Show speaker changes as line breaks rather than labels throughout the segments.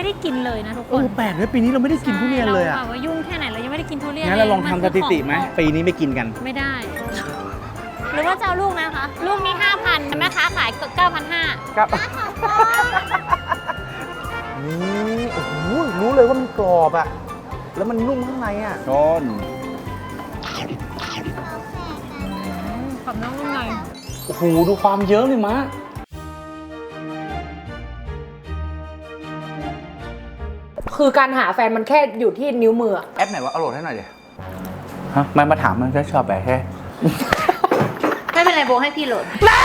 ได้กินเลยนะทุกคน
แปลกเลยปีนี้เราไม่ได้กินทุเรียนเลยอะ
ว่ายุ่งแค่ไหนเรายังไม่ได้กินทุเรียน
งั้นเราลองทำสถิติไหมปีนี้ไม่กินกัน
ไม่ได้หรือว่าจะเอาลูกนะคะลูกนี้ 5,000 แม่ค้าขาย 9,500
ครับนี่โอ้โหรู้เลยว่ามันกรอบอะแล้วมันนุ่มข้างในอะชน
กับน้องนุ่มใน
โอ้โหดูความเยอะเลยมะ
คือการหาแฟนมันแค่อยู่ที่นิ้วมือ
แอปไหนวะเอาโหลดให้หน่อยดิฮะมันมาถามมันจะชอบแบบแค่
ไม่เป็นไรโบให้พี่โหลด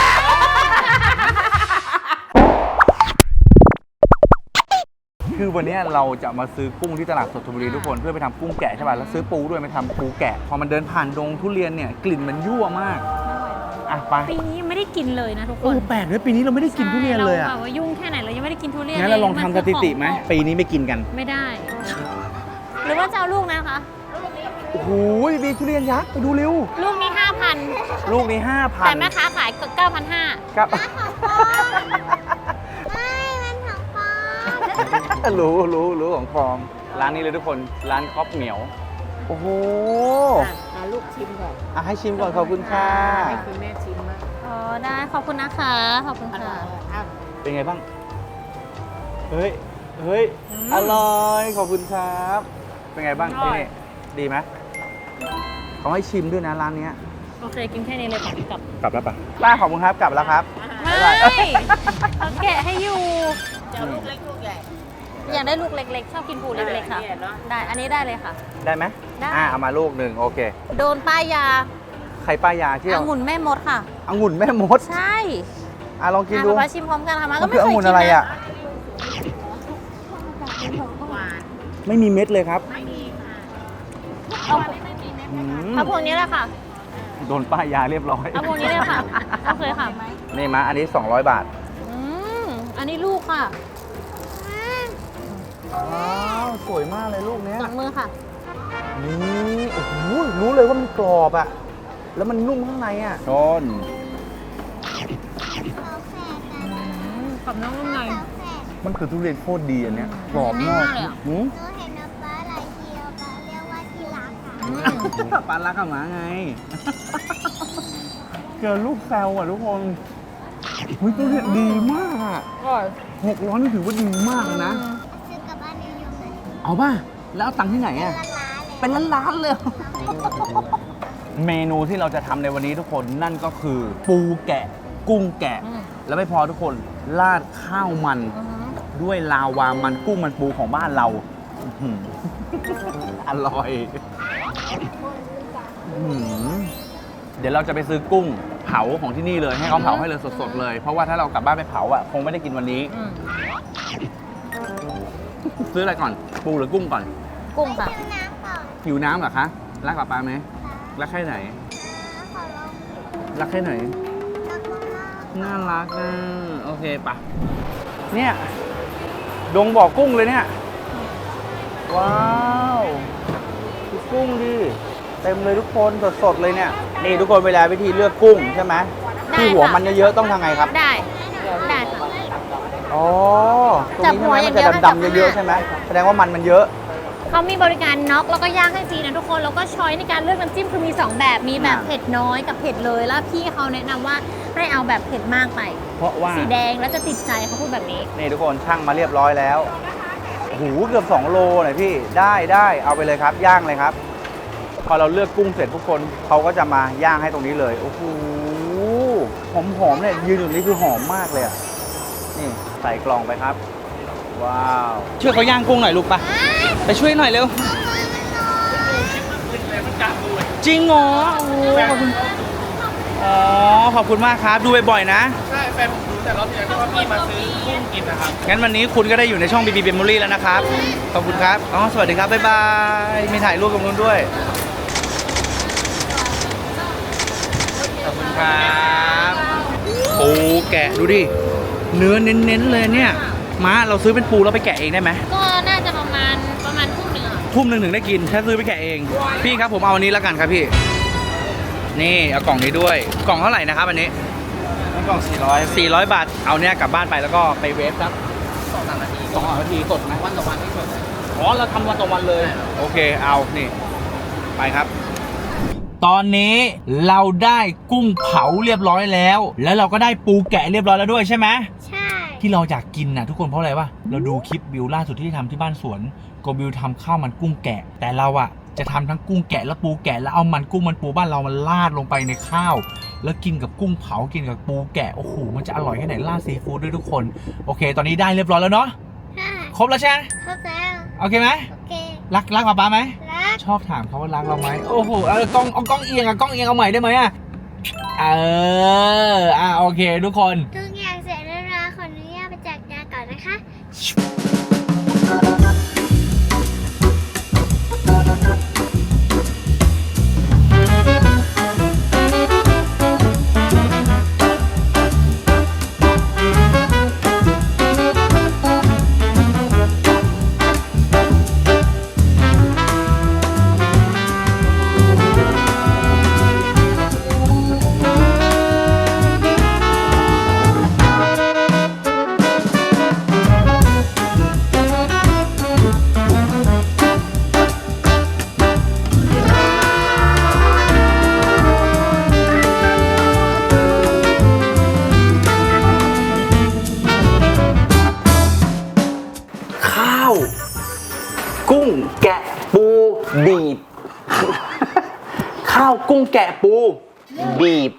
คือวันนี้เราจะมาซื้อกุ้งที่ตลาดสดธนบุรีทุกคนเพื่อไปทำกุ้งแกะใช่ป่ะแล้วซื้อปูด้วยไปทำปูแกะพอมันเดินผ่านดงทุเรียนเนี่ยกลิ่นมันยั่วมากอ่ะไป
ปีนี้ยังไม่ได้กินเลยนะทุกคน
แปลกเลยปีนี้เราไม่ได้กินทุเรียนเลยอะ
ว่ายุ่งแค่ไหนเรายังไม่ได้กินทุเรียน
งั้นเราลองทำสถิติไหมปีนี้ไม่กินกัน
ไม่ได้หรือว่าจะเอาลูกนะคะ
โอ้โหมีทุเรียนยักษ์ไปดูเร็ว
ลูกนี้ 5,000
ลูกนี้ 5,000
แต่แม่ค้าขาย 9,500
ครับรู้ของฟอร์มร้านนี้เลยทุกคนร้านครอบเหมียวโอ้โห
ลูกชิมก่อน
ให้ชิมก่อนขอบคุณค่ะ
ให้คุณแม่ชิมมาก
ได้ขอบคุณนะคะขอบคุณค่ะ
เป็นไงบ้างเฮ้ยอร่อยขอบคุณครับเป็นไงบ้างที่นี่ดีไหมเขาให้ชิมด้วยนะร้านนี้
โอเคกินแค่นี้เลยก
ลับแล้วป่ะป้าขอบคุณครับกลับแล้วครับ
ไม่เขาแกะให้อยู่
จะลูกเล็กลูกใหญ่
อยากได้ลูกเล็กๆชอบกินปูเล็กๆค่ะได้อันนี้ได้เลยค่ะ
ได้ไหมได้เอามาลูกหนึ่งโอเค
โดนป้ายยา
ใครป้ายยาที่
องุ่นแม่มดค่ะ
องุ่นแม่มด
ใช่
ลองกินดู
มาชิมพร้อมกันค่ะมาก็ไม่เคยกิน
องุ่นอะไรอ่ะไม่มีเม็ดเลยครับ
ไม่มีค่ะ
เอาพวกนี้แหละค่ะ
โดนป้ายยาเรียบร้อย
เอาพวกนี้เลยค่ะโอเคค่ะ
นี่มาอันนี้200 บาท
อันนี้ลูกค่ะ
ว้าวสวยมากเลยลูกเนี้ย
จับมือค่ะ
นี่โอ้โหรู้เลยว่ามันกรอบอะแล้วมันนุ่มข้างในอะชน
กับน้องนุ่มใน
มันคือทุเรียนโคตรดีอันเนี้ยกรอบมาก
เลยอ่ะ
หนูเห็นป๊าหลายทีป๊าเรียกว่าที่รักค่ะ
ปลารักกับหมาไงเจอลูกแซวอ่ะทุกคนทุเรียนดีมากอ่ะ600นี่ถือว่าดีมากเลยนะ
ซื้อกลับบ้านนิยมเลย
เอาป่ะแล้วเอาตังค์ที่ไหนอ่ะเป็นล้านเลยเมนูที่เราจะทำในวันนี้ทุกคนนั่นก็คือปูแกะกุ้งแกะแล้วไม่พอทุกคนราดข้าวมันด้วยลาวามันกุ้งมันปูของบ้านเราอร่อยเดี๋ยวเราจะไปซื้อกุ้งเผาของที่นี่เลยให้เขาเผาให้เลยสดๆเลยเพราะว่าถ้าเรากลับบ้านไปเผาอ่ะคงไม่ได้กินวันนี้ซื้ออะไรก่อนปูหรือกุ้งก่อน
กุ้งค่ะ
หิวน้ำเหรอคะรักกับปลาไหมรักแค่ไหนรักแค่ไหนน่ารักนะโอเคปะเนี่ยดงบ่อกุ้งเลยเนี่ยว้าวดูกุ้งดิเต็มเลยทุกคนสดๆเลยเนี่ยนี่ทุกคนเวลาวิธีเลือกกุ้งใช่ไหมที่หัวมันเยอะๆต้องทำไงครับ
ได้ค่ะ
อ๋อตรงนี้ใช่ไหมมันจะดำๆเยอะๆใช่ไหมแสดงว่ามันเยอะ
เขามีบริการน็อกแล้วก็ย่างให้ฟรีนะทุกคนแล้วก็ช้อยในการเลือกน้ำจิ้มคือมี2แบบมีแบบเผ็ดน้อยกับเผ็ดเลยแล้วพี่เขาแนะนำว่าให้เอาแบบเผ็ดมากไป
เพราะว่า
สีแดงแล้วจะติดใจเขาพูดแบบนี้
นี่ทุกคนช่างมาเรียบร้อยแล้วโอ้โหเกือบ2 โลหน่อยพี่ได้เอาไปเลยครับย่างเลยครับพอเราเลือกกุ้งเสร็จทุกคนเขาก็จะมาย่างให้ตรงนี้เลยโอ้โหหอมเนี่ยยืนอยู่นี่คือหอมมากเลยอ่ะนี่ใส่กล่องไปครับว้าวช่วยเขาย่างกุ้งหน่อยลูกปะไปช่วยหน่อยเร็วจริงเหรอโอ้ขอบคุณขอบคุณมากครับดูบ่อยๆนะ
ใช่แฟนผมดูแต่รอบที่แล้วที่ว่าพี่มาซื้อกุ้งกินนะครับ
งั้นวันนี้คุณก็ได้อยู่ในช่อง BB Memory แล้วนะครับขอบคุณครับสวัสดีครับบ๊ายบายมีถ่ายรูปตรงนู้นด้วยขอบคุณครับปูแกะดูดิเนื้อเน้นๆเลยเนี่ยม้าเราซื้อเป็นปูแล้วไปแกะเองได้ไหม
ก็น่าจะประมาณ
ทุ่มหนึ่งถึงได้กินถ้าซื้อไปแกะเองพี่ครับผมเอาอันนี้แล้วกันครับพี่นี่เอากล่องนี้ด้วยกล่องเท่าไหร่นะครับอันนี้
กล่อง400
บาทเอาเนี่ยกลับบ้านไปแล้วก็ไปเวฟสัก
2-3 นาที
2 นาทีสดไหม
วันต่อวันที่สด
อ๋อเราทำวันต่อวันเลย โอเคเอานี่ไปครับ ตอนนี้เราได้กุ้งเผาเรียบร้อยแล้ว แล้วเราก็ได้ปูแกะเรียบร้อยแล้วด้วยใช่ไหม
ใช่
ที่เราอยากกินนะทุกคนเพราะอะไรวะเราดูคลิปบิวล่าสุดที่ทำที่บ้านสวนโกบิวทำข้าวมันกุ้งแกะ แต่เราอะจะทำทั้งกุ้งแกะและปูแกะแล้วเอามันกุ้งมันปูบ้านเรามันราดลงไปในข้าว แล้วกินกับกุ้งเผากินกับปูแกะโอ้โหมันจะอร่อยแค่ไหนราดซีฟู้ดด้วยทุกคนโอเค ตอนนี้ได้เรียบร้อยแล้วเนาะ
ใช่
ครบแล้วใช่ไหม
ครบแล้ว
โอเคไหม
โอเค
รักป๊าไหม
รัก
ชอบถามเขาว่ารักเราไหมโอ้โหกล้องเอียงกล้องเอียงเอาใหม่ได้ไหมโอเคทุกคน
ทุกอย่างเสร็จแล้วเราขออนุญาตไปจัดงานก่อนนะคะ
ข้าว กุ้งแกะปูบีบ ข้าวกุ้งแกะปูบีบ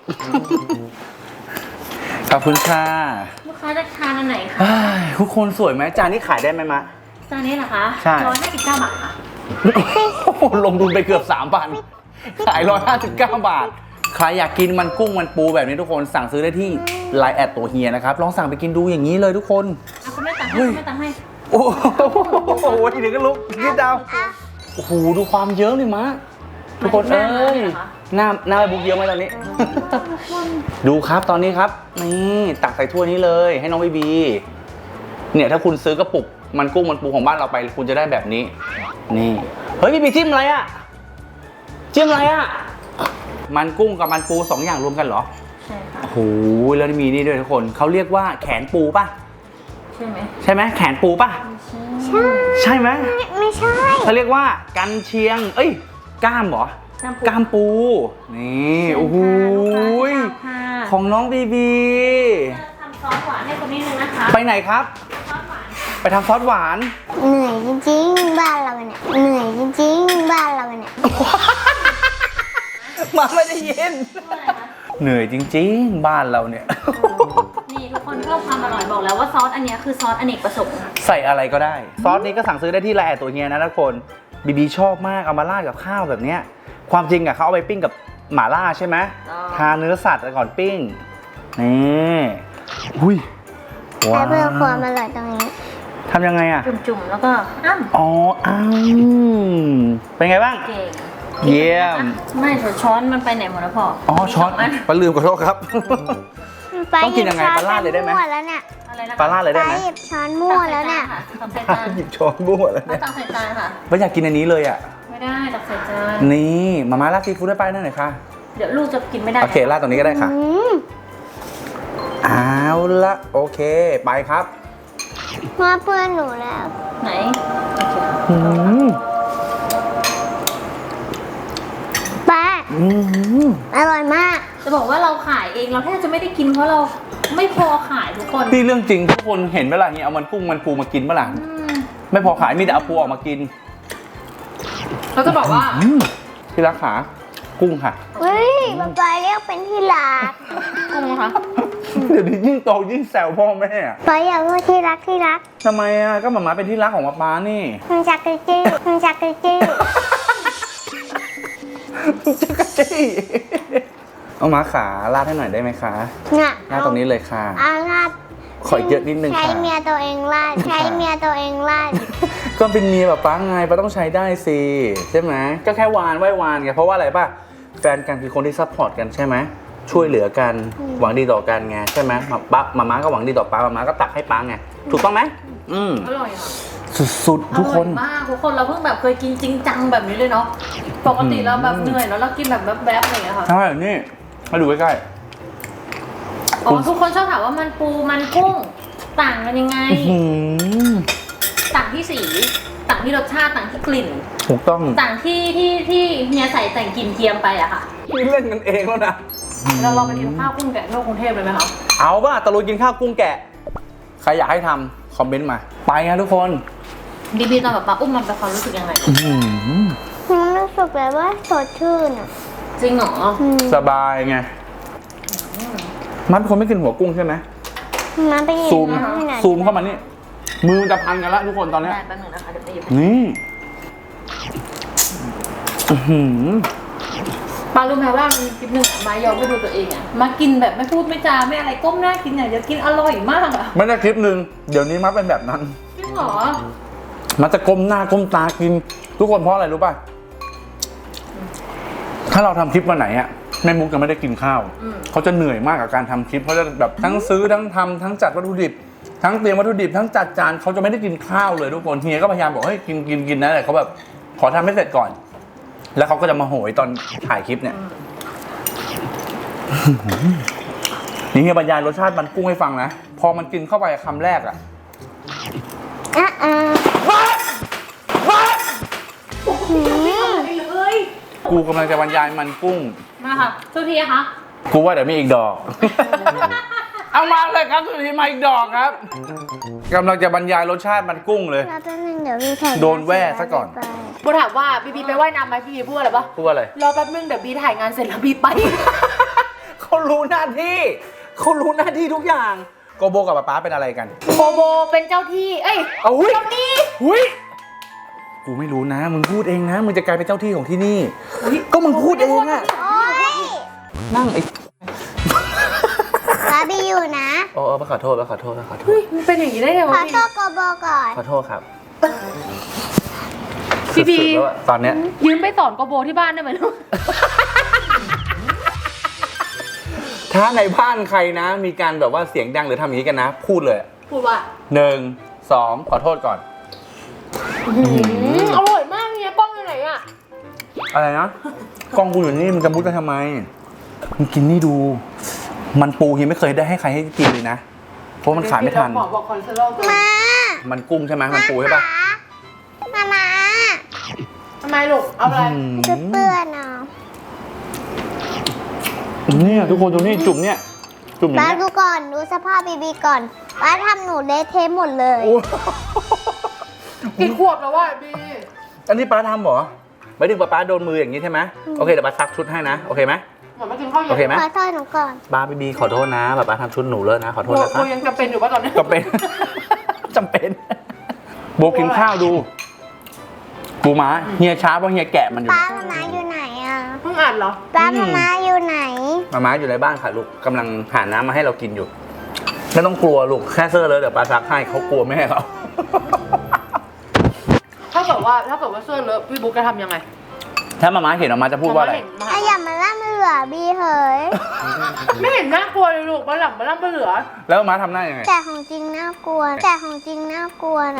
ขอบคุณค่ะ
ลูกค้าจะทานอันไหนคะ
เฮ้ยทุกคนสวยไหมจานนี้ขายได้ไหมมะ
จานนี้เหรอคะ
ใช่
159 บาทค่ะ
ลงทุนไปเกือบ 3,000 ขาย 159 บาท ใครอยากกินมันกุ้งมันปูแบบนี้ทุกคนสั่งซื้อได้ที่ไลน์แอดตัวเฮียนะครับ ลองสั่งไปกินดูอย่างนี้เลยทุกคน
เอาคุณแม่ตัดให้คุณแม่ตัดให้
โอ้โหทีเดียวก็ลุกยืดดาวโอ้โหดูความเยอะเลยมะทุกคนเอ้ยหน้าบุกเยอะไหมตอนนี้ ดูครับตอนนี้ครับนี่ตักใส่ถ้วยนี้เลยให้น้องบีบีเนี่ยถ้าคุณซื้อกระปุกมันกุ้งมันปูของบ้านเราไปคุณจะได้แบบนี้นี่เฮ้ยบีบีจิ้มอะไรอ่ะจิ้มอะไรอ่ะมันกุ้งกับมันปู2 อย่างรวมกันเหรอ
ใช่ค่ะ
โอ้โหแล้วมีนี่ด้วยทุกคนเขาเรียกว่าแขนปูป่ะ
ใช่ไหม
ใช่ไหมแขนปูป่ะ
ใช่
ใช่ไหม
ไม่ใช่
เขาเรียกว่ากันเชียงเอ้ยกล้ามเหรอ กล้ามปู นี่โอ้โหยของน้องบีบี
ทำซอสหวานให้คนนิดนึงนะคะ
ไปไหนครับ
ซอสหวาน
ไปทำซอสหวาน
เหนื่อยจริงๆ บ้านเราเนี่ย เหนื่อยจริงๆ บ้านเราเนี่ย
มาไม่ได้ยิน เหนื่อยจริงๆ บ้านเราเนี่ย
นี่ทุกคนเพิ่มความอร่อยบอกแล้วว่าซอสอันเนี้ยคือซอสอเนกประสงค์
ใส่อะไรก็ได้ ซอสนี้ก็สั่งซื้อได้ที่ไลน์แอดตัวเฮียนะทุกคนบีบีชอบมากเอามาราดกับข้าวแบบเนี้ยความจริงอะเขาเอาไปปิ้งกับหม่าล่าใช่ไหมทาเนื้อสัตว์ก่อนปิ้งนี่อุ้ย
ใช้เพื่อความอร่อยตรงนี้
ทำยังไงอะ
จุ่มๆแล้วก็อ้ำ
อ๋อเป็นไงบ้าง
เก่ง
เยี่ยม
ไม่แต่ช้อนมันไปไหนหมดแล้วพ่อ
อ๋อช้อน
มีสงอัน
ปลาลืมขอโทษครับ ต้องกินยังไงปลาราดเลยได้ไหม
มั่วแล้วเนี่ย
อะไรนะ
ปลาราดเลย
ไป
ได้ไหม
หยิบช้อนมั่วแล้วเนี่ย
ตักใส่จาน
หยิบช้อนบ้วนแล้ว
ไม่
เนี่ย
ตักใส่จานค่ะ
ไม่อยากกินอันนี้เลยอ่ะ
ไม่ได้ตักใส่จาน
นี่มาม่าราดซีฟู้ดได้ไปนั่นหน่อยค่ะ
เดี๋ยวลูกจะกินไม่ได้
โอเคราดตรงนี้ก็ได้ค่ะ
อืม
เอาละโอเคไปครับ
มาเพื่อนหนูแล้ว
ไหน
อืม
ป้า
อืม
อร่อยมาก
จะบอกว่าเราขายเองเราแทบจะไม่ได้กินเพราะเราไม่พอขายทุกคน
นี่เรื่องจริงทุกคนเห็นเวลาเนี้ยเอามันกุ้งมันปูมากินเมื่อไหร่
อืม
ไม่พอขายมีแต่เอาปูออกมากิน
เราจะบอกว่า
ที่รักขากุ้งค่ะ
เฮ้ยป๊าเรียกเป็นที่รัก
กุ้งนะคะ
เดี๋ยวนี้ยิ่งโตยิ่งแซวพ่อแม่อะ
ป๊าอยากพูดที่รักที่รัก
ทำไมอ่ะก็หมาม้าเป็นที่รักของป๊านี่
มันจักรจี้มันจักรจี้
จักรจี้เอามาขาลาดให้หน่อยได้ไหมคะ
น่ะ
ลาดตรงนี้เลยค่ะ
เอาลาด
ขอเยอะนิดนึง
ใช้
ค่ะ
เมียตัวเองลาดใช้เมียตัวเองลาด
ก็เป็นเมียแบบป้าไงป้าต้องใช้ได้สิใช่ไหมก็แค่วานไหว้วานไงเพราะว่าอะไรป่ะแฟนกันคือคนที่ซัพพอร์ตกันใช่ไหมช่วยเหลือกันหวังดีต่อกันไงใช่ไหมป๊ามาม่าก็หวังดีต่อป้ามาม่าก็ตักให้ป้าไงถูกต้องไหม
อร่อยค่ะ
สุดๆทุกคน
อร่อยมากทุกคนเราเพิ่งแบบเคยกินจริงจังแบบนี้เลยเนาะปกติเราแบบเหนื่อยแล้วเรากินแบบแบ๊บๆอะไรอย่างเงี้ยค่ะ
ใช่นี่มาดูใกล้
อ๋อทุกคนชอบถามว่ามันปูมันกุ้งต่างกันยังไง
ๆอื้อหือ
ต่างที่สีต่างที่รสชาติต่างที่กลิ่น
ถูกต้อง
ต่างที่เฮียใส่แต่งกลิ่นเทียมไปอะค่ะ
นี่เล่นกันเองแล้วนะ
เราลองไปกินข้าวกุ้งแกะนอกกรุงเทพเลยไหมคะ
เอาป่ะตะลุยกินข้าวกุ้งแกะ ใครอยากให้ทำคอมเมนต์มา ไปนะทุกคน
บีตอนแบบป้าอุ้มมันเป็นความรู้สึกยังไง
มันรู้สึกแบบว่าสดชื่นอ่ะ
จริงเหรอ
สบายไง มันเป็นคนไม่กินหัวกุ้งใช่ไหม
มันเป็นอย่าง
ซูม
นี้นะ
ซูมเข้ามานี่ มือจะพันกันแล้วทุกคนตอนเนี้ย
ได้แป๊บนึงนะคะเดี๋ยวไปหยิบ
นี่อื้อหือ
ป้ารู้ไหมว่ามีคลิปหนึ่งมายอมไปดูตัวเองอะมากินแบบไม่พูดไม่จาไม่อะไรก้มหน้ากินอย่างเดียวกินอร่อยมากอะ
ไม่ได้คลิปหนึ่งเดี๋ยวนี้มัดเป็นแบบนั้น
จริงเหรอ
มันจะก้มหน้าก้มตากิน ทุกคนเพราะอะไรรู้ป่ะ ถ้าเราทำคลิปวันไหนอะแม่มุกจะไม่ได้กินข้าว เขาจะเหนื่อยมากกับการทำคลิปเขาจะแบบทั้งซื้อทั้งทำทั้งจัดวัตถุดิบ ทั้งเตรียมวัตถุดิบทั้งจัดจานเขาจะไม่ได้กินข้าวเลยทุกคนเฮียก็พยายามบอกเฮ้ยกินนะแต่เขาแบบขอทำให้เสร็จก่อน แล้วเขาก็จะมาโหยตอนถ่ายคลิปเนี่ยนี่เฮียบรรยายรสชาติมันกุ้งให้ฟังนะพอมันกินเข้าไปคำแรกอะ
เลย
กูกำลังจะบรรยายมันกุ้ง
มาค่ะทุกทีอะคะ
กูว่าเดี๋ยวมีอีกดอก เอามาเลยครับสุดทีมาอีกดอกครับกำลังจะบรรยายรสชาติมันกุ้งเลย
แล้วแป๊บนึงเดี๋ยวพี่ถ่าย
โดนแว่ซะก่อน
โบถามว่าบีไปว่ายน้ำไหมพี่บีพูดอะไรปะ
พูดว่าอะไร
รอแป๊บนึงเดี๋ยวบีถ่ายงานเสร็จแล้วบีไป
เขารู้หน้าที่เขารู้หน้าที่ทุกอย่างโกโบกับป๊าเป็นอะไรกัน
โบโบเป็นเจ้าที่ เอ้ย
เอาหุ้ย
เจ้าหนี้
หุ้ยกูไม่รู้นะมึงพูดเองนะมึงจะกลายเป็นเจ้าที่ของที่นี่ก็มึงพูดเองอะ
โอ๊ย
นั่งไอ้
บาร์บี้อยู่นะ
โอ้ขอโทษขอโทษขอโท
เฮ้
ษ
ยมันเป็นอย่างนี้ได้ไง
ขอ
วะ
โทษโกโบก่อน
ขอโทษครับ
พี่บี
สุดๆแล้วอะตอนเนี้ย
ยืมไปสอนโกโบที่บ้านได้ไหมลูก
ถ้าในบ้านใครนะ มีการแบบว่าเสียงดังหรือทำอย่างนี้กันนะ พูดเลย
พูดว่า
1 2ขอโทษก่อน
อร่อยมากเนี่ยกล้องอยู่ไหนอะ
อะไรนะกล้องกูอยู่นี่มึงจะมุดไปทำไมมึงกินนี่ดู มันปูเฮียไม่เคยได้ให้ใครให้กินเลยนะเพราะมันขายไม่ทัน
หมอบอกคอเลสเตอรอลเกิน
มา
มันกุ้งใช่ไหมมันปูใช่ปะ
มา
ทำไมลูก เอาอะไร
จะเปื้อนเอา
เนี่ยทุกคนดูนี่จุ่มเนี่ยจุ่มอย่าง
บ้า
เงี้ย
ดูก่อนดูสภาพบีบีก่อนบ้าทำหนูเละเทะหมดเลย
โอ้
กี่ขวบแล้ววะบี
อันนี้ป้าทำเหรอไม่ถึงป้าโดนมืออย่างนี้ใช่ไหมโอเคเดี๋ยวป้าซักชุดให้นะโอเคไหม
เหมือนมากินข้าวเย็น
โอเคไหม
ขอโทษหนูก่อน
ป้าบีขอโทษนะป้าทำชุดหนูเลยนะขอโทษนะค
โบ
รับ
ยังจำเป็นอยู่ป่ะตอนนี้
จำเป็น จำเป็น โบกินข้าวดูปูม้าเฮียช้าเพราะเฮียแกะมันอยู่
ป้ามาอยู่ไหนอ่ะ
เพิ่งอ่านเหรอ
ป้ามาอยู่ไหน
ม้าอยู่ในบ้านค่ะลูกกำลังหาน้ำมาให้เรากินอยู่ไม่ต้องกลัวลูกแค่เสื้อเลยเดี๋ยวป้าซักให้เขากลัวแม่เขา
ถ้าเกิดว่าเสื้อเลอะพี่บุ๊กจะทำยังไง
ถ้าม้าเห็นออกมาจะพูดว่าอะไร
ไอ้อย่ามาล่ามือบีเหย
ไม่เห็นน่ากลัวเลยลูกมาหลับมาล่ำมาเหลือ
แล้วม้าทำหน้ายังไง
แต่ของจริงน่ากลัว แต่ของจริงน่ากลัวนะ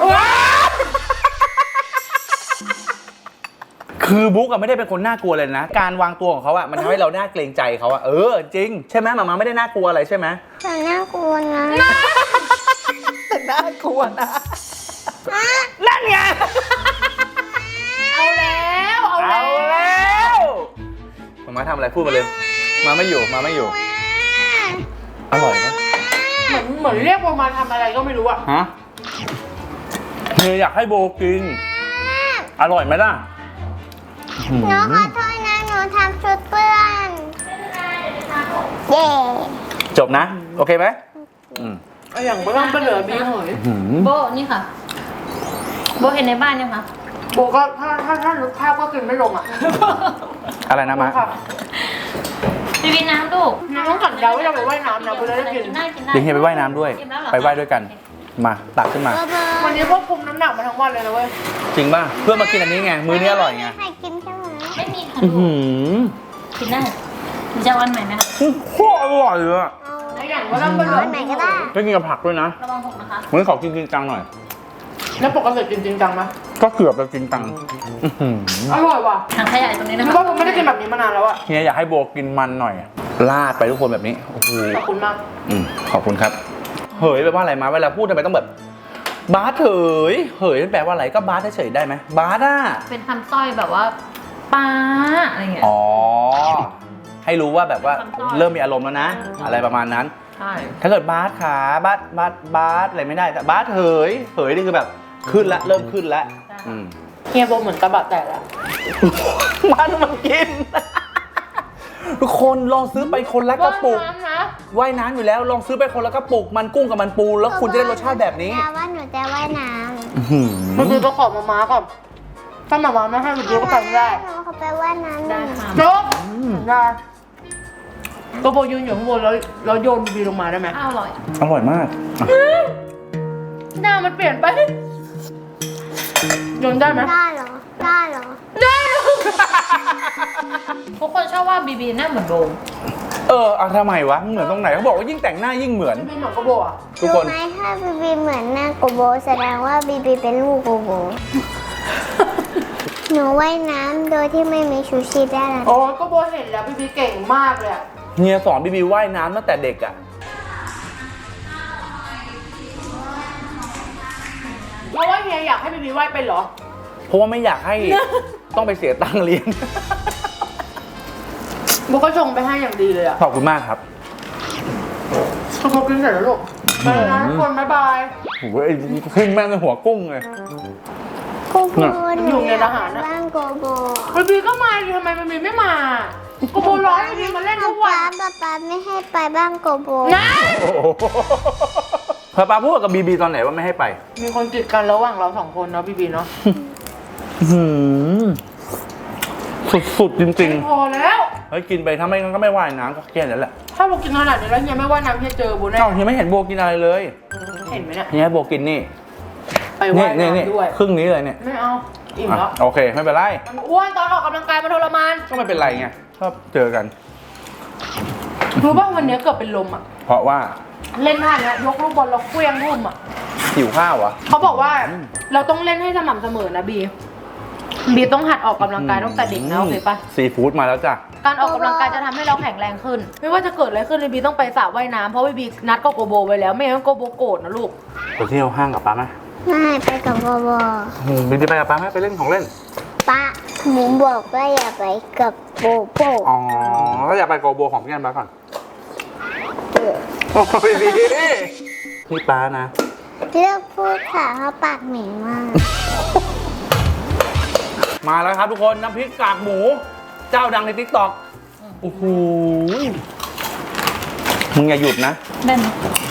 คือบุ๊กอะไม่ได้เป็นคนน่ากลัวเลยนะ การวางตัวของเขาอะมันทำให้เราน่าเกรงใจเขาอะจริงใช่ไหมม้าไม่ได้น่ากลัวอะไรใช่ไหม
แต่น่ากลัวนะ
แต่น่ากลัวนะนั่นไง
เอาแล้ว
เอาแล้วม้าทำอะไรพูดมาเลยม้าไม่อยู่อร่อยไหม
เหมือนเรียกว่ามาทำอะไรก็ไม่รู้อะ
ฮะเฮียอยากให้โบกิน อร่อยไหมล่ะ
หนูขอโทษนะหนูทำชุดเปื้อนเย่
จบนะ โอเคไหมอืม
เอาอย่างมาล่ำมาเหลือบีเหย
โบนี่ค่ะ โบเห็นในบ้านยังคะ
โบก็ถ้านึกภาพก็กินไม่ลงอะ
อะไรนะมะ
ค่ะ
บีบีน้ำลูก
นี่ต้องสัญญาว่าจะไปว่ายน้ำนะเพื่อได้กิน
ได้กินได้
เดี๋ยวเฮียไปว่ายน้ำด้วย
อิ่มแล้วเหรอ
ไปว่ายด้วยกัน มาตักขึ้นมา
วันนี้ควบคุมน้ำหนักมาทั้งวันเลยนะเว้ย
จริงป่ะ เพื่อมากินอันนี้ไง มื้อนี้อร่อยไง
ใครกินใช่ไหม
ไม่มีค่ะ
อื้อ
ลู
หื
กกินได้หรือจะเอาอันใหม่ไหมคะ
โคตรอร่อยเลยอะ
ไอ้อย่างว่าล่ำมาเหลือ
ไหนก็ได้
ได้กินกับผักด้วยนะ
ระวังหกนะคะ
มื้อนี้ขอกินจริงจังหน่อย
แล้วปกติกินจริงจังไหม
ก็เกือบจะจริงจังอื้อหือ
อร่อยว่ะ
ถังขยะอยู่ตรงนี้นะ
คือ
คะ
ว่าผมไม่ได้กินแบบนี้มานานแล้วอะ
เฮียอยากให้โบกินมันหน่อยอะลาดไปทุกคนแบบนี้ โอ้โห
ขอบคุณมาก
ขอบคุณครับ เฮ้ยแปลว่าอะไรมาเวลาพูดทำไมต้องแบบบาสเหยมันแปลว่าอะไรก็บาสเฉยๆได้ไหมบาสอ่ะ
เป็นคำสร้อยแบบว่าป้าอะไรเงี้ย
อ๋อให้รู้ว่าแบบว่า
คำสร้อย
เริ่มมีอารมณ์แล้วนะ อะไรประมาณนั้น
ใช่
ถ้าเกิดบาสขาบาสอะไรไม่ได้แต่บาสเหยนี่คือแบบขึ้นละเริ่มขึ้นละอืม
เฮียโบเหมือนกระบะแตกแล้ว
มันกิน ทุกคนลองซื้อไปคนละกระปุก
น้ำนะ
ว่ายน้ำอยู่แล้วลองซื้อไปคนละกระปุกมันกุ้งกับมันปูแล้วคุณจะได้รสชาติแบบนี้
แต่ว่าหนูจะว่ายน้
เมื่อกี้ก็ขอมาม้าก่อนถ้ามาม้าไม่ให้เมื่อกี้ก็ไปไม่ได้
ำหนูเขาไปว่ายน้ำ
ได้ค่ะ
จบได้ก็โบยืนอยู่ข้างบนแล้วโยนบีลงมาได้ไหม
ข้าวอร่อย
อร่อยมาก
หน้ามันเปลี่ยนไปโยนได้ไหม
ได้เหรอ ได้เหรอ
ทุกคนชอบว่าบีบีหน้าเหมือนโดม
เอาทำไมวะเหมือนตรงไหนเขาบอกว่ายิ่งแต่งหน้ายิ่งเหมือน
บีเหมือนกระโบอ่ะ
ทุก
รู้
คน
ไหมถ้าบีบีเหมือนหน้าโกโบแสดงว่าบีบีเป็นลูกโกโบ หนูว่ายน้ำโดยที่ไม่มีชูชีพได้แล้ว
โอ้ก็โบเห็นแล้วบีเก่งมากเลยอะ
เฮียสอนบีบีว่ายน้ำตั้งแต่เด็กอ่ะ
เพราะว่าเฮียอยากให้บีว่ายเป็นเหรอ
เพราะว่าไม่อยากให้ ต้องไปเสียตังค์เรียน
โบก็ชงไปให้อย่างดีเลยอะ
ขอบคุณมากครับ
ทุกคนกินเสร็จแล้วลูกไปแล้วนะทุกคนบ๊ายบาย
โอ้ยขึ้นแม่งในหัวกุ้งเลย
โกโบหนูอยากไปบ้านโกโบ
บีก็มาดิทำไมบีไม่มาโกโบร้อนบีมาเล่นทุกวัน
ป๊าไม่ให้ไปบ้านโกโบ
นะ
โอ้โหพอปาพูดกับบีบีตอนไหนว่าไม่ให้ไป
มีคนติดกันระหว่างเราสองคนเนาะบีเนาะ
สุดๆจริง
พอแล้ว
ๆเฮ้ยกินไปถ้าไม่งั้นก็ไม่ว่ายน้ำก็แค่นั้นแหละ
ถ้าโบกินขนาดนี้แล้วเฮียไม่ว่ายน้ำเฮียเจอโบแน่
เอ้าเฮียไม่เห็นโบกินอะไรเลย
เห็นไหมเนี่ย
เฮียให้โบกินนี่
ไปว่าย
นี่
น้ำด้วย
ครึ่งนี้เลยเนี่ย
ไม่เอาอิ่ม
อ่ะ
แล้ว
โอเคไม่เป็นไร
มันอ้วนตอนออกกำลังกายมันทรมาน
ก็ไม่เป็นไรไงชอบเจอกัน
รู้ป่ะวันนี้เกือบเป็นลมอ่ะ
เพราะว่า
เล่นท่าเนี้ยยกลูกบอลแล้วเคลี้ยงทุ่มอ่ะ
หิวข้าววะ
เขาบอกว่าเราต้องเล่นให้สม่ำเสมอนะบีต้องหัดออกกำลังกายตั้งแต่เด็กนะโอเคปะ
ซีฟู้ดมาแล้วจ้ะ
การออกกำลังกายจะทำให้เราแข็งแรงขึ้น ไม่ว่าจะเกิดอะไรขึ้นบีต้องไปสระว่ายน้ำเพราะบีนัดกับโกโบไว้แล้วไม่งั้นโกโบโกรธนะลูก
ไปเที่ยวห้างกับป้าไหม
ไม่ไปกับโกโบ
บีบีไปกับป้าไหมไปเล่นของเล่น
ป้าหมูบอกว่าอย่าไปกับโบโบ
อ๋อก็อยากไปโกโบของพี่กันป้าก่อนโอ้ยบีนี่ป้านะ
เลือกพูดค่ะเพราะปากเหม็นมาก
มาแล้วครับทุกคนน้ำพริกกากหมู เจ้าดังในทิกตอกโอ้โหมึงอย่าหยุดนะ
แม่น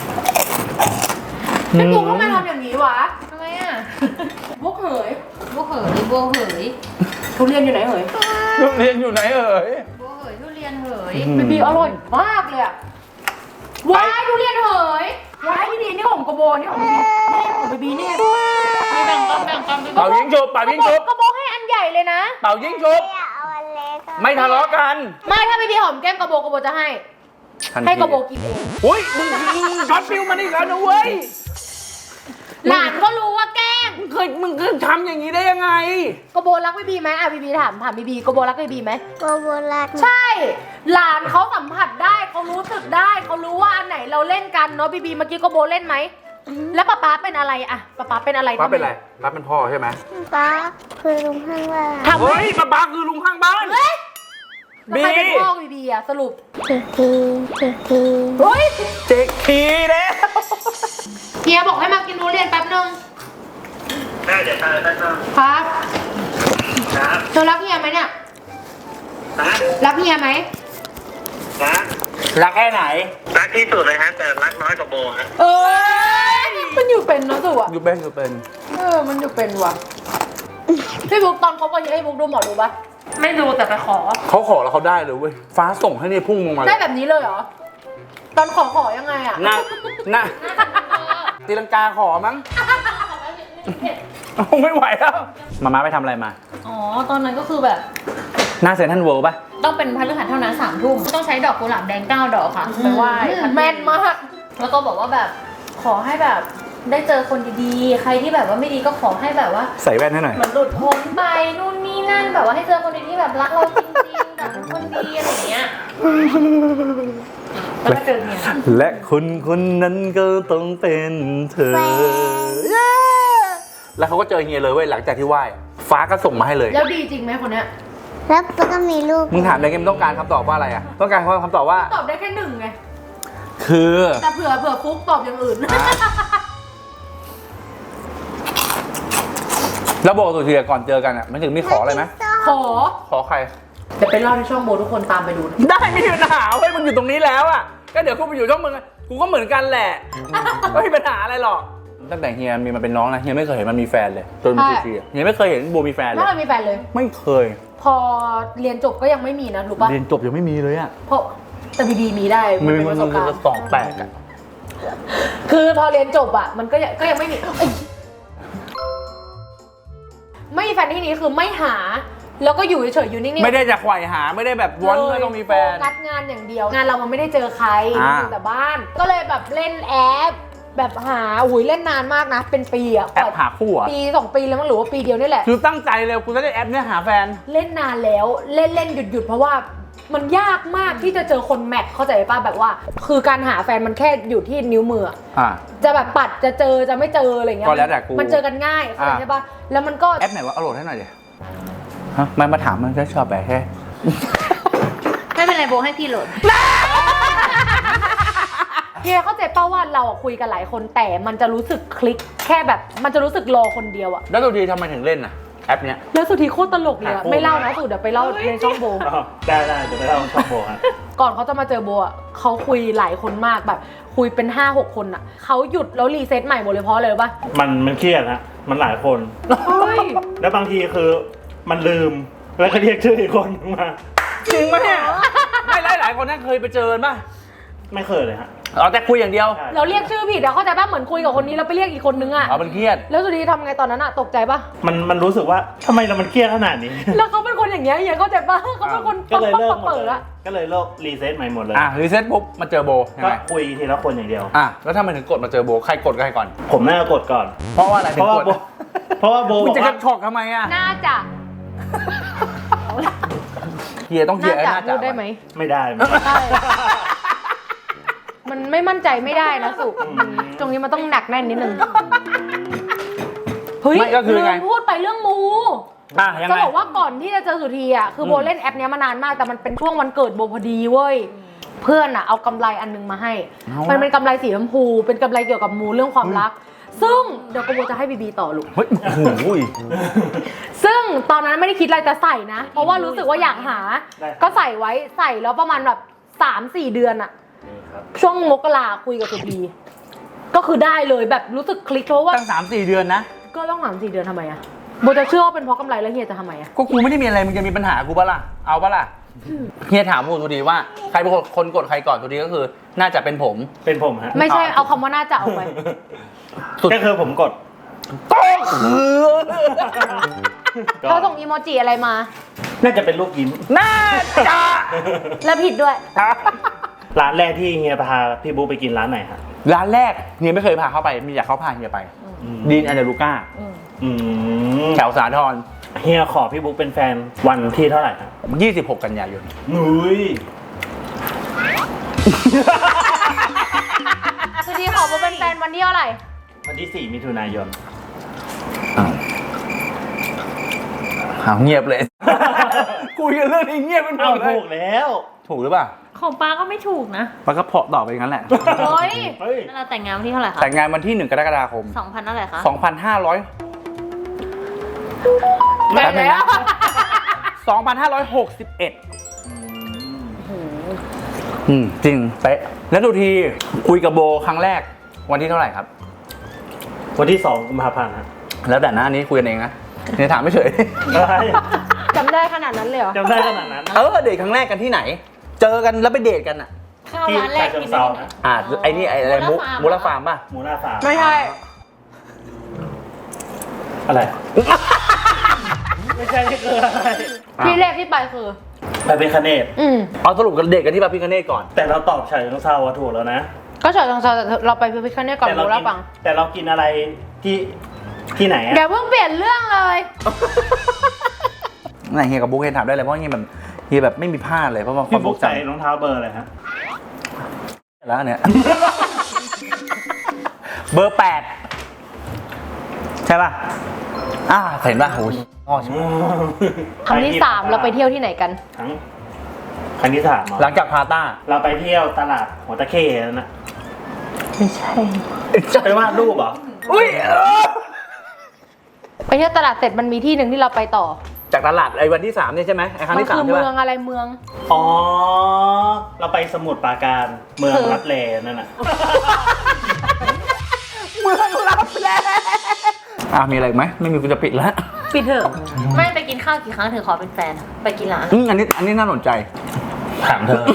พี่ปุ๊กทำไมทำอย่างนี้วะ
ทำไมอ่ะ
พวกเหย
บัวเหยบัวเหย
ทุเรียนอยู่ไหนเหย
ทุเรียนอยู่ไหนเอ่ย
บัวเหยทุเรียนเหย
บีอร่อยมากเลยอะว้ายทุเรียนเหยว้ายนี่ของโกโบนี่ของบีนี่ของบีนี่
ไม่แบ่งกันแบ่งกัน
เป่ายิงฉุบเป่ายิงฉุบ
โกโบให้อันใหญ่เลยนะ
เป่ายิงฉุบ
อย่าเอาอันเล็กอะ
ไม่ทะเลาะกัน
ไม่ถ้าบีหอมแก้มโกโบจะให้
ทันที
ให้โกโบกินเอง
อุ้ยมึงช็อตฟิวมาอีกแล้วนะเว้ย
หลานก็รู้ว่าแกล้ง
มึงเคยทำอย่างนี้ได้ยังไง
โกโบรักบีไหมอ่ะบีถามบีโกโบรักบีไหม
โกโบรัก
ใช่ หลานเขาสัมผัสได้เขารู้สึกได้เขารู้ว่าอันไหนเราเล่นกันเนาะบีเมื่อกี้โกโบเล่นไหมแล้วป๊าเป็นอะไรอะป๊าเป็นอะไร
ป้าเป็นไรป้าเป็นพ่อใช่ไหม
ป้าคือลุงข้างล่าง
ทำไม
เฮ้ยป้าคือลุงข้างบ้าน
เฮ้ย
บี
ใครเป็นพ่อบีอะสรุป
ถึงทีถึงที
เฮ้ย
เจ๊กทีแล้ว
เฮียบอกให้มากินทุเรียนแป๊บนึง
ได้เดี๋ยวตามได้ครับ
ครับ
ครับ
เธอรักเฮียไหมเนี่ย
นะ
รักเฮียไหม
นะ
รักแค่ไหน
รักที่สุดเลยฮะแต่รักน้อยกว่าโบฮะ
เอ้ยมันอยู่เป็นเนาะสุอะ
อยู่เป็นอยู่เป็น
มันอยู่เป็นว่ะพี่บุ๊กตอนเขาไปให้บุ๊กดูหมอดูปะไม่ดูแต่ไปขอ
เขาขอแล้วเขาได้เลยเว้ยฟ้าส่งให้นี่พุ่งลงมาเล
ได้
ย
แบบนี้เลยเหรอ ตอนขอยังไงอะ
น่าตีลังกาขอมั้งไม่ไหวแล้วมาไปทำอะไรมา
อ๋อ ตอนนั้นก็คือแบบ
หน้าเซ็นทรัลเวิลด์ป่ะ
ต้องเป็นพฤหัสเท่านั้น3 ทุ่มต้องใช้ดอกกุหลาบแดง9 ดอกค่ะไปไหว้พระ
แม่นมาก
แล้วก็บอกว่าแบบขอให้แบบได้เจอคนดีๆ ใครที่แบบว่าไม่ดีก็ขอให้แบบว่า
ใส่แว่นให้หน่อย
เหมือนหลุดพ้นไปนู่นนี่นั่นแบบว่าให้เจอคนดีที่แบบรักเราจริงๆแบบเป็นคนดีอะไรอย่างเงี้ยแล้วก็เจอเนี่ย
และคนคนนั้นก็ต้องเป็นเธอ
แฟน
แล้วเขาก็เจอเฮียเลยเว้ยหลังจากที่ไหว้ฟ้าก็ส่งมาให้เลย
แล้วดีจริงไหมคนเนี้ย
แล้วก็มีลูก
มึงถามอะไรกันต้องการคำตอบว่าอะไรอ่ะต้องการคำตอบว่า
ตอบได้แค่หนึ่งไง
คือ
แต่เผื่อฟุกตอบอย่างอื่น
แล้วบอกตัวทีก่อนเจอกันอ่ะมันถึงมีขออะไรไหม
ขอ
ขอใคร
เดี๋ยวไปเล่าในช่องโบทุกคนตามไปดูนะ
ได้ไม่มีปัญหาเว้ยมึงอยู่ตรงนี้แล้วอ่ะก็เดี๋ยวกูไปอยู่ช่องมึงอะกูก็เหมือนกันแหละไม่มีปัญหาอะไรหรอกตั้งแต่เฮียมีมันเป็นน้องนะเฮียไม่เคยเห็นมันมีแฟนเลยจนมีทีเฮียไม่เคยเห็นโบมีแฟนเล
ไม่
ย
เคยมีแฟนเลย
ไม่เคย
พอเรียนจบก็ยังไม่มีนะรู้ปะ
เรียนจบยังไม่มีเลยอ่ะ
เพราะแต่บีมีได้มันเป็นประสบการณ์
สองแปดอ่ะ
คือพอเรียนจบอ่ะมันก็ยังไม่มีเอ้ยไม่มีแฟนที่นี้คือไม่หา แล้วก็อยู่เฉยๆอยู่นิ่งๆ
ไม่ได้จะไขว่หาไม่ได้แบบวอนไม่ต้องมีแฟน
โฟกัสงานอย่างเดียว งานเรามันไม่ได้เจอใคร
อ่า
อยู่แต่บ้าน ก็เลยแบบเล่นแอป แบบหาเล่นนานมากนะ เป็นปีอะ
แอปหาคู่อ่ะ
ปี2 ปีแล้วมั้งหรือว่าปีเดียวนี่แหละ
คือตั้งใจเลยกูจะได้แอปเนี่ยหาแฟน
เล่นนานแล้วเล่นหยุดเพราะว่ามันยากมากที่จะเจอคนแมทเข้าใจป่ะแบบว่า คือการหาแฟนมันแค่อยู่ที่นิ้วมืออะ
อ่า
จะแบบปัดจะเจอจะไม่เจออะไรเงี้ย
ก็แล้วแต่กู
มันเจอกันง่ายเข้าใจใช่ป่ะแล้วมันก็
แอปไหนวะเอาโหลดให้หน่อยดิฮะมันมาถามมันก็ชอบแบบแค่
ไม่เป็นไรโบให้พี่โหลด
เฮียเข้าใจป่ะว่าเราอะคุยกันหลายคนแต่มันจะรู้สึกคลิกแค่แบบมันจะรู้สึกรอคนเดียวอะ
แล้วตัวดีทำไมถึงเล่นอ่ะแอปเนี้ย
แล้วสุดทีโคตรตลกเลยอะ
หาคู่
ไม่เล่านะสุดเดี๋ยวไปเล่าในช่องโบ
ได้เดี๋ยวไปเล่าช่องโบฮะ
ก่อนเขาจะมาเจอโบอะเขาคุยหลายคนมากแบบคุยเป็น 5-6 คนอะเขาหยุดแล้วรีเซ็ตใหม่หมดเลยเพราะอะไรรู้ป่ะ
มันเครียดฮะมันหลายคน
เฮ้ย
แล้วบางทีคือมันลืมแล้วก็เรียกชื่ออีกคนมา
จริงไหมเนี่ยไม่หลายคนนั่นเคยไปเจอป่ะ
ไม่เคยเลยฮะ
อ๋อแต่คุยอย่างเดียว
ใช่
เราเรียกชื่อผิดอะเข้าใจป่ะเหมือนคุยกับคนนี้แล้วไปเรียกอีกคนนึงอะ
อ๋อมันเครียด
แล้วสุดทีทำไงตอนนั้นอะตกใจป่ะ
มันรู้สึกว่าทำไมเรามันเครียดขนาดนี้
แล้วเขาเป็นคนอย่างเงี้ยเฮียเข้าใจป่ะเขาเป็นคน
ก็เลยเลิกหมด
เปิ
เล
ด
ย
อะ
ก็เลยเลิกรีเซ็ตใหม่หมดเลย
อ่ะรีเซ็ตปุ๊บมาเจอโบยัง
ก็
ไง
คุยทีละคนอย่างเดียว
อ่ะแล้วถ้ามันถึงกดมาเจอโบใครกดกับใครก่อน
ผมน่าจะกดก่อน
เพราะว่าอะไรถึ
เพ
ง
ราะ
ก
ว่า
ด
เพราะว่าโบ
มึ
บ
ง
อก
จะก
ว่า
ระชอกทำไมอ่ะ
น่าจะ
เฮียต้องเฮี
น่าย จะ
น่า
พู
จะ
ดได้ไหม
ไม่ได้
ใช่ มันไม่มั่นใจไม่ได้นะสุตรงนี้มันต้องหนักแน่นนิดนึง เฮ้ย
ไม่ก็คือไง
ลืมพูดไปเรื่องมู
อ่ะยัง
จะ
ไง
บอกว่าก่อนที่จะเจอสุธีอ่ะ คือโบเล่นแอปเนี้ยมานานมาก แต่มันเป็นช่วงวันเกิดโบพอดีเว้ย เพื่อนอ่ะเอากำไรอันนึงมาให้ มันเป็นกำไรสีชมพู เป็นกำไรเกี่ยวกับมูเรื่องความรัก ซึ่งเดี๋ยวกโบจะให้บีบีต่อลูก
เฮ้ยโอ้โห
ซึ่งตอนนั้นไม่ได้คิดอะไรจะใส่นะ เพราะว่ารู้สึกว่าอยากหา ก็ใส่ไว้ใส่แล้วประมาณแบบ 3-4 เดือนอะช่วงมกราคุยกับสุธีก็คือได้เลยแบบรู้สึกคลิกเพราะว่า
ตั้ง3-4 เดือนนะ
ก็ต้อง3-4 เดือนทำไมอะโบจะเชื่อว่าเป็นเพราะกำไรแล้วเฮียจะทำไมอะ
ก็กูไม่ได้มีอะไรมึงจะมีปัญหากูปะล่ะเอาปะล่ะเฮียถามผมทุกทีว่าใครเป็นคนกดใครก่อนทุกทีก็คือ น่าจะเป็นผม
เป็นผมฮะ
ไม่ใช่เอาคำว่าน่าจะเอาไป
สุด
ก็คือผมกด
ก็คือ
เขาส่งอีโมจิอะไรมา
น่าจะเป็นลูกยิ้ม
น่าจะ
แล้วผิดด้วย
ร้านแรกที่เฮียพาพี่บุ๊กไปกินร้านไหนฮะ
ร้านแรกเฮียไม่เคยพาเข้าไปมีอยากเข้าพาเฮียไปดีนแอนเดลูก้า
อืม
แถวสาทร
เฮียขอพี่บุ๊กเป็นแฟนวันที่เท่าไหร่ครับ
26 กันยายน
นุ้ย
สุธีขอโบเป็นแฟนวันที่เท่าไหร่
วันที่ 4 มิถุนายน
หาวเงียบเลย คุยกันเรื่องนี้เงียบเป็นหม
เอา
ดเลย
ถูกแล้ว
ถูกหรือเปล่า
ของป้าก็ไม่ถูกนะ
ปากก็เพาะต่อไปอย่างนั้นแหละ
เฮ้ย
เฮ้ย
แล้วเราแต่งงานวันที่เท่าไหร่คะ
แต่งงานวันที่ 1 กรกฎาคม
2,000เท่าไหร่คะ
2,500
แบ่งแล้ว
2,561จริงเป๊ะแล้วดูทีคุยกับโบครั้งแรกวันที่เท่าไหร่ครับ
วันที่ 2 กุมภาพันธ์ฮะ
แล้วแต่หน้านี้คุยกันเองนะเนี่ยถามไม่เฉย
อะไร
จำได้ขนาดนั้นเลยเหรอ
จำได้ขนาดนั้น
เดทครั้งแรกกันที่ไหน เจอกันแล้วไปเดทกันอ่ะ
ข้าว
ที่
ร้านแร
ชาก เชิ
กิ
ง
น
เซา
ได้
ฮะ
ไอ้นี่ไอ้อะไรมูลฟาร์มป่ะ
หมูหน้าฟาร์ม
ไม่ใช่
อะไร ไม่ใช่นี่คืออะไร
ที่แรกที่ไปคือ
ไปเป็นคเนต
เอาสรุปกันเดทกันที่พระพิฆเนศก่อน
แต่เราตอบฉายของเซาถูกแล้วนะ
ก็เฉยทางซอยเราไปพิพิธภัณฑ์ก่อน
แต่
รู้แล้วฟัง
แต่เรากินอะไรที่ไหนอะ
เดี๋ยวเพิ่งเปลี่ยนเรื่องเลย
ไหนเฮียกับบุ๊กเฮียถามได้เลยเพราะเฮียแบบเฮียแบบไม่มีพลาดเลยเพราะว่าควา
พี่
มท
บุ๊
ร
ก
งจ
ใส่รองเท้าเบอร์อะไรฮะ
ำแล้วเนี่ย เบอร์ 8 ใช่ป่ะเห็นป่ะโอ้ยอ๋อ
ครั้งที่ 3 เราไปเที่ยวที่ไหนกัน
ครั้งที่ 3เหรอ
หลังจากพาต้า
เราไปเที่ยวตลาดหัวตะเข้นั่นนะ
ไม่ใช่
ไปวาดรูปเหรอ
อุ้ย
ไปเที่ยวตลาดเสร็จมันมีที่หนึ่งที่เราไปต่อ
จากตลาดไอ้วันที่3เนี่ยใช่ไหมไอ้ครั้ง
มัน
ที่3
คือ
ใช่
เมื
ป่ะ
องอะไรเมือง
อ๋อ เราไปสมุทรปราการเมืองรับแลนั่นน่ะ
เมืองรับแลมีอะไรอีกไหมไม่มีกูจะปิดแล้ว
ปิดเถอะไม่ไปกินข้าวกี่ครั้งถึงขอเป็นแฟนอะไปกินร้าน
อันนี้น่าสนใจ
ถามเธอ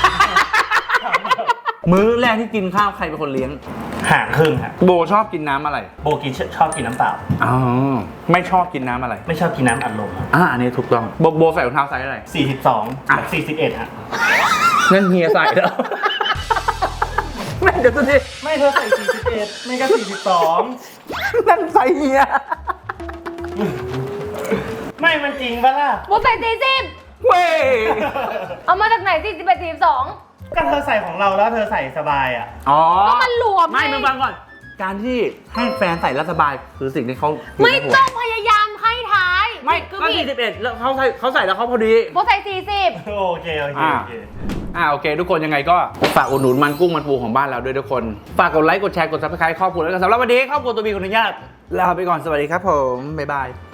มื้อแรกที่กินข้าวใครเป็นคนเลี้ยง
ห่างครึ่งฮะ
โบชอบกินน้ำอะไร
โบกินชอบกินน้ำเปล่า
อ๋อไม่ชอบกินน้ำอะไร
ไม่ชอบกินน้ำอัดลม
อันนี้ถูกต้องโบใส่รองเท้าไซส์อะไร
42กับ41ฮะ
นั่นเฮียใส่แล้ว แม่เดี๋ยวตัวนี้
ไม่เธอใส่41ไม่ก็42
นั่นใส่เฮีย
ไม่มันจริงปะล่ะ
โบใส่40
เว้ย
เอามาจากไหน41 42
ก็เธอใส่ของเราแล้วเธอใส่สบายอ่ะ
อ๋อ
ก็มันหลวม
ไม่
ไง
มึงฟังก่อน การที่ให้แฟนใส่แล้วสบายคือสิ่งที่เขา
ไม่ต้องพยายามให้ท้าย
ไม่
ก็
ก็
ผิด
41แล้วเขาใส่แล้วเขาพอดี
โบใส่40
โอเคโอเคโอเค
โอเค ทุกคนยังไงก็ฝากอุดหนุนมันกุ้งมันปูของบ้านเราด้วยทุกคน ฝากกดไลค์กดแชร์กดซับสไครต์ครอบครัวแล้วกันสำหรับวันนี้ครอบครัวตัวบีขออนุญาตลาไปก่อนสวัสดีครับผมบ๊ายบาย